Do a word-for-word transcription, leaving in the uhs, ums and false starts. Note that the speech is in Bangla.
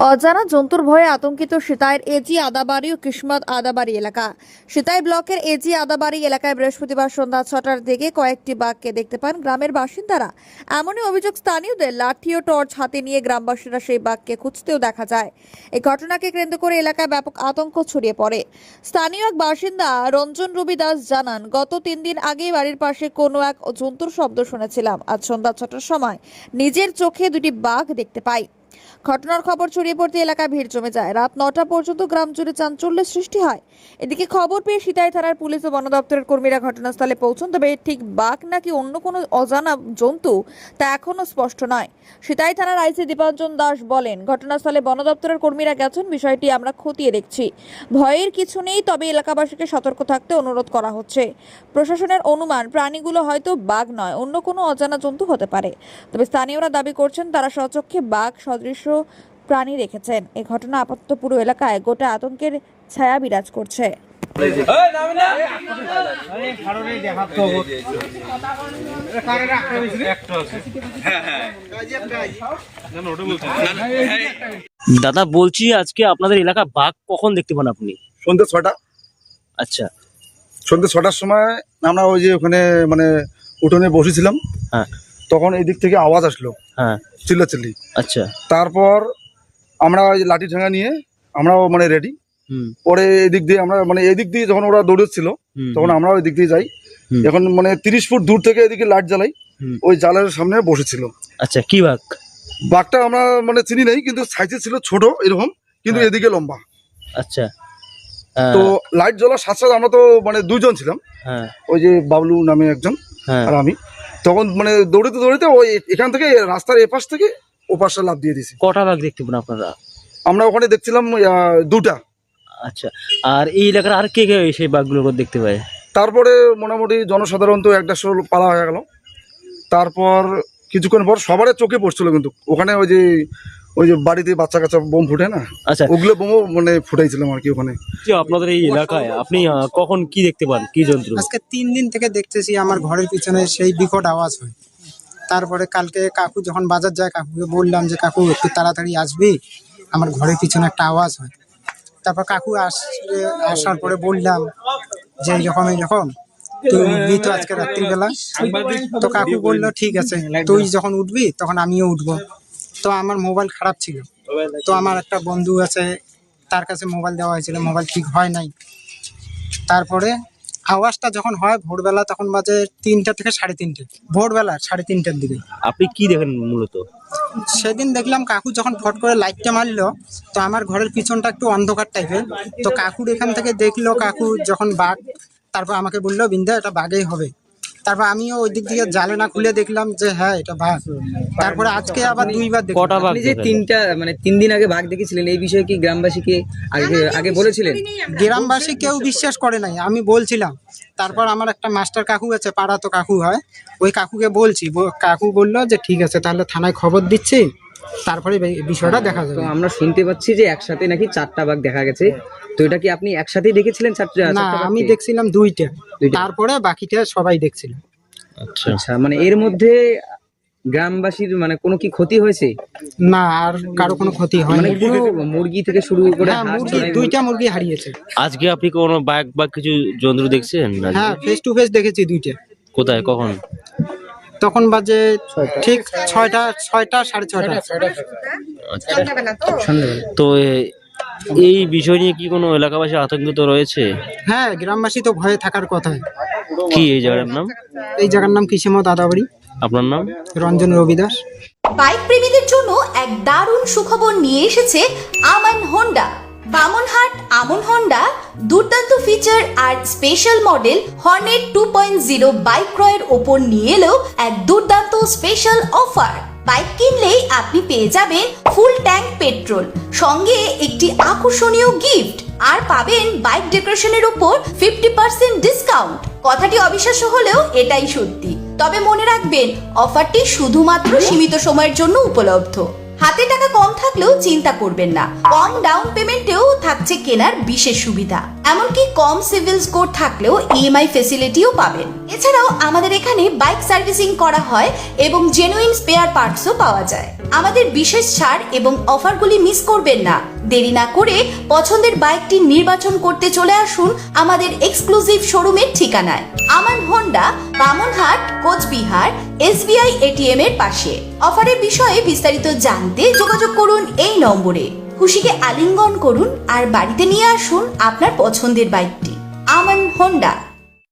অজানা জন্তুর ভয়ে আতঙ্কিত সিতাইয়ের এজি আদাবাড়ি ও কিসমত আদাবাড়ি এলাকা। সিতাই ব্লকের এজি আদাবাড়ি এলাকায় বৃহস্পতিবার সন্ধ্যা ছটার দিকে কয়েকটি বাঘকে দেখতে পান গ্রামের বাসিন্দারা। এমনই অভিযোগ স্থানীয়দের। লাঠি ও টর্চ হাতে নিয়ে গ্রামবাসীরা সেই বাঘকে খুঁজতেও দেখা যায়। এই ঘটনাকে কেন্দ্র করে এলাকায় ব্যাপক আতঙ্ক ছড়িয়ে পড়ে। স্থানীয় এক বাসিন্দা রঞ্জন রবি দাস জানান, গত তিন দিন আগে বাড়ির পাশে কোনো এক জন্তুর শব্দ শুনেছিলাম। আজ সন্ধ্যা ছটার সময় নিজের চোখে দুটি বাঘ দেখতে পাই। ঘটনার খবর ছড়িয়ে পড়তে এলাকায় ভিড় জমে যায়। রাত নটা পর্যন্ত গ্রাম জুড়ে চাঞ্চল্যের সৃষ্টি হয়। এদিকে খবর পেয়ে সিতাই থানার পুলিশ ও বন দপ্তরের কর্মীরা ঘটনাস্থলে পৌঁছন, তবে ঠিক বাঘ নাকি অন্য কোনো অজানা জন্তু তা এখনো স্পষ্ট নয়। সিতাই থানার আইসি দীপাঞ্জন দাস বলেন, ঘটনাস্থলে বন দপ্তরের কর্মীরা গেছেন, বিষয়টি আমরা খতিয়ে দেখছি। ভয়ের কিছু নেই, তবে এলাকাবাসীকে সতর্ক থাকতে অনুরোধ করা হচ্ছে। প্রশাসনের অনুমান প্রাণীগুলো হয়তো বাঘ নয়, অন্য কোনো অজানা জন্তু হতে পারে। তবে স্থানীয়রা দাবি করছেন তারা স্বচক্ষে বাঘ সদৃশ প্রাণী রেখেছেন। এই ঘটনা আপাতত পুরো এলাকায় গোটা আতঙ্কের ছায়া বিরাজ করছে। দাদা বলছি, আজকে আপনাদের এলাকা বাঘ কখন দেখতে পান আপনি? সন্ধ্যে ছটা। আচ্ছা, সন্ধ্যে ছটার সময় আমরা ওই যে ওখানে মানে উঠোনে বসেছিলাম। হ্যাঁ, তখন এই দিক থেকে আওয়াজ আসলো, হ্যাঁ, চিল্লাচিল্লি। আচ্ছা, তারপর আমরা ওই লাঠি ঠেঙা নিয়ে আমরাও মানে রেডি। হুম, পরে এদিক দিয়ে আমরা মানে এদিক দিয়ে যখন ওরা দৌড়েছিল হুম, তখন আমরাও এদিক দিয়ে যাই। হুম। এখন মানে তিরিশ ফুট দূর থেকে এদিকে লাইট জ্বালাই, হুম। ওই জালের সামনে বসেছিল। আচ্ছা, কি বাঘ? বাঘটা আমরা মানে চিনি নাই, কিন্তু সাইজে ছিল ছোট এরকম, কিন্তু হ্যাঁ। এদিকে লম্বা। আচ্ছা, তো লাইট জ্বলার সাথে সাথে আমরা তো মানে দুইজন ছিলাম, হ্যাঁ, ওই যে বাবলু নামে একজন হ্যাঁ, আর আমি। তখন মানে দৌড়িতে দৌড়িতে ওই এখান থেকে রাস্তার এপাশ থেকে ওপাশে লাফ দিয়ে দিয়েছি। কটা বাঘ দেখতে পান আপনারা? আমরা ওখানে দেখছিলাম আহ, দুটা। আচ্ছা, আর এই এলাকার আর কে কে সেই বাঘগুলো দেখতে পায়? তারপরে মোটামুটি জনসাধারণ তো একটা শোল পালা হয়ে গেল। তারপর কিছুক্ষণ পর সবারই চোখে পড়ছিল, কিন্তু ওখানে ওই যে ওই যে বাড়িতে বাচ্চা কাচ্চা বোম ফুটে না, আচ্ছা, ওগুলো বোমও মানে ফুটাইছিলাম আর কি ওখানে। যে আপনাদের এই এলাকায় আপনি আহ, কখন কি দেখতে পান, কি যন্ত্র? আজকে তিন দিন থেকে দেখতেছি আমার ঘরের পিছনে সেই বিকট আওয়াজ হয়। তারপরে কালকে কাকু যখন বাজার যায়, কাকুকে বললাম যে কাকু একটু তাড়াতাড়ি আসবি, আমার ঘরের পিছনে একটা আওয়াজ হয়। তারপর কাকু আসলে আসার পরে বললাম যে এইরকম এইরকম তুই উঠবি তো আজকে রাত্রিবেলা। তো কাকু বললো ঠিক আছে, তুই যখন উঠবি তখন আমিও উঠবো। তো আমার মোবাইল খারাপ ছিল, তো আমার একটা বন্ধু আছে, তার কাছে মোবাইল দেওয়া হয়েছিল, মোবাইল ঠিক হয় নাই। তারপরে আওয়াজটা যখন হয় ভোরবেলা, তখন বাজে তিনটা থেকে সাড়ে তিনটে, ভোরবেলা সাড়ে তিনটার দিকে। আপনি কি দেখেন মূলত? সেদিন দেখলাম কাকু যখন ফট করে লাইটটা মারলো, তো আমার ঘরের পিছনটা একটু অন্ধকার টাইপের, তো কাকুর এখান থেকে দেখলো কাকু যখন বাঘ, তারপর আমাকে বললো বিন্দা এটা বাঘই হবে। তারপর আমিও ওই দিক থেকে জালে না খুলে দেখলাম যে হ্যাঁ এটা বাঘ। তারপরে আজকে আবার দুইবার দেখলাম। কটা বাঘ আপনি যে দেখেন? তিনটা মানে তিন দিন আগে বাঘ দেখেছিলেন, এই বিষয়ে কি গ্রামবাসীকে আগে আগে বলেছিলেন? গ্রামবাসী কেউ বিশ্বাস করে নাই, আমি বলছিলাম। তারপর আমার একটা মাস্টার কাকু আছে, পাড়া তো কাকু হয়, ওই কাকুকে বলছি, ব- কাকু বললো যে ঠিক আছে তাহলে থানায় খবর দিচ্ছি, তারপরে বে- বিষয়টা দেখা তো যাবে। আমরা শুনতে পাচ্ছি যে একসাথে নাকি চারটা বাঘ দেখা গেছে। তো এটা কি আপনি একসাথেই দেখেছিলেন চারটা? না, চারটা বাঘকে? আমি দেখছিলাম দুইটা, দুইটা। তারপরে বাকিটা সবাই দেখছিল। আচ্ছা, আচ্ছা, মানে এর মধ্যে গ্রামবাসীর মানে কোনো কি ক্ষতি হয়েছে? না, আর কারো কোনো ক্ষতি মানে হয়নি। কোনো মুরগি থেকে শুরু করে হ্যাঁ, হাঁস, মুরগি চড়াই, দুইটা মুরগি হারিয়েছে। আজকে আপনি কোনো বাঘ বা কিছু যন্ত্র দেখছেন? আজকে? হ্যাঁ, ফেস টু ফেস দেখেছি দুইটা। কোথায়, কখন? তখন বাজে ঠিক ছয়টা ছয়টা সাড়ে ছয়টা। আচ্ছা, তো এ- এই বিষয় নিয়ে কি কোনো এলাকাবাসী আতঙ্কিত রয়েছে? হ্যাঁ, গ্রামবাসী তো ভয়ে থাকার কথা। কি এই জায়গার নাম? এই জায়গার নাম কিসমত আদাবাড়ি। আপনার নাম? রঞ্জন রবি দাস। বাইক প্রেমীদের জন্য এক দারুণ সুখবর নিয়ে এসেছে আমান হোন্ডা। বামনহাট আমন হোন্ডা দুর্দান্ত ফিচার আর special model Hornet two point zero bike ক্রয়ের ওপর নিয়ে এলো এক দুর্দান্ত স্পেশাল অফার। বাইক কিনলেই আপনি পেয়ে যাবেন ফুল ট্যাঙ্ক পেট্রোল, সঙ্গে একটি আকর্ষণীয় গিফট, আর পাবেন বাইক ডেকোরেশনের উপর ফিফটি পার্সেন্ট ডিসকাউন্ট। কথাটি অবিশ্বাস্য হলেও এটাই সত্যি। তবে মনে রাখবেন, অফারটি শুধুমাত্র সীমিত সময়ের জন্য উপলব্ধ। হাতে টাকা কম থাকলেও চিন্তা করবেন না, কম ডাউন পেমেন্টেও থাকছে কেনার বিশেষ সুবিধা। এমনকি কম সিভিল স্কোর থাকলেও ইএমআই ফেসিলিটিও পাবেন। এছাড়াও আমাদের এখানে বাইক সার্ভিসিং করা হয় এবং জেনুইন স্পেয়ার পার্টসও পাওয়া যায়। আমাদের বিশেষ ছাড় এবং অফারগুলি মিস করবেন না। দেরি না করে পছন্দের বাইকটি নির্বাচন করতে চলে আসুন আমাদের এক্সক্লুসিভ শোরুমের ঠিকানায়, Aman Honda, Bamanhat, Cooch Behar, SBI ATM এর পাশে। অফারের বিষয়ে বিস্তারিত জানতে যোগাযোগ করুন এই নম্বরে। খুশিকে আলিঙ্গন করুন আর বাড়িতে নিয়ে আসুন আপনার পছন্দের বাইকটি। আমান হোন্ডা।